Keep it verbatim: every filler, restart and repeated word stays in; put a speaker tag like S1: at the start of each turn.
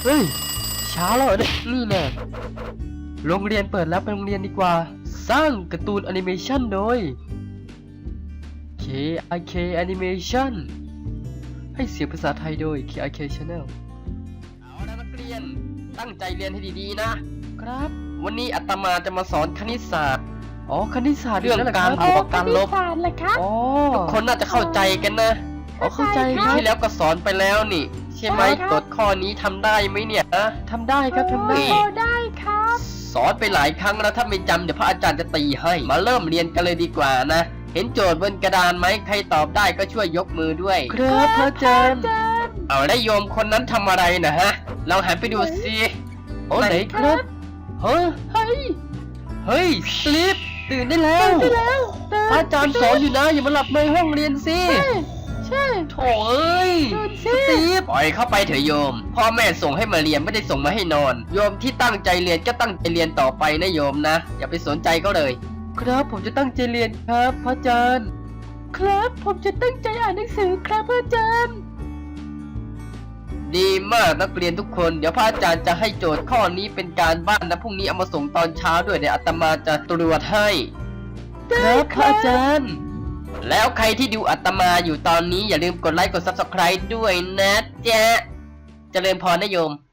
S1: ฮ้ยช้าแล้วเนี่ยนี่แน่โรงเรียนเปิดแล้วไปโรงเรียนดีกว่าสร้างการ์ตูนแอนิเมชันโดย เค ไอ เค Animation ให้เสียงภาษาไทยโดย เค ไอ เค Channel เอาละนักเรียนตั้งใจเรียนให้ดีๆนะครับวันนี้อาตมาจะมาสอนคณิตศาสตร์อ๋อคณิตศาสตร์เรื่องการบวกการลบอ๋อทุกคนน่าจะเข้าใจกันนะอ๋อเข้าใจปีที่แล้วก็สอนไปแล้วนี่ใช่ไหมกฎข้อนี้ทำได้ไหมเนี่ยนะทำได้ครับทำได้
S2: ได้ครับ
S1: สอนไปหลายครั้งแล้วถ้าไม่จำเดี๋ยวพระอาจารย์จะตีให้มาเริ่มเรียนกันเลยดีกว่านะเห็นโจทย์บนกระดานไหมใครตอบได้ก็ช่วยยกมือด้วยครับพระอาจารย์เอาได้โยมคนนั้นทำอะไรนะฮะเราหันไปดูสิโอ้ไหนครับเฮ้ยเฮ้ยเฮ้ยสลิปตื่นได้แล้วพระอาจารย์สอนอยู่นะอย่ามาหลับในห้องเรียนสิ
S2: ใช่
S1: โถ่เอ้ยสตีฟปล่อยเข้าไปเถอะโยมพ่อแม่ส่งให้มาเรียนไม่ได้ส่งมาให้นอนโยมที่ตั้งใจเรียนก็ตั้งใจเรียนต่อไปนะโยมนะอย่าไปสนใจเขาเลยครับผมจะตั้งใจเรียนครับพระอาจารย์ครับผมจะตั้งใจอ่านหนังสือครับพระอาจารย์ดีมากนักเรียนทุกคนเดี๋ยวพระอาจารย์จะให้โจทย์ข้อนี้เป็นการบ้านนะพรุ่งนี้เอามาส่งตอนเช้าด้วยเดี๋ยวอาตมาจะตรวจให้ครับพระอาจารย์แล้วใครที่ดูอาตมาอยู่ตอนนี้อย่าลืมกดไลค์กด ซับสไครบ์ ด้วยนะจ๊ะเจริญพรนะโยม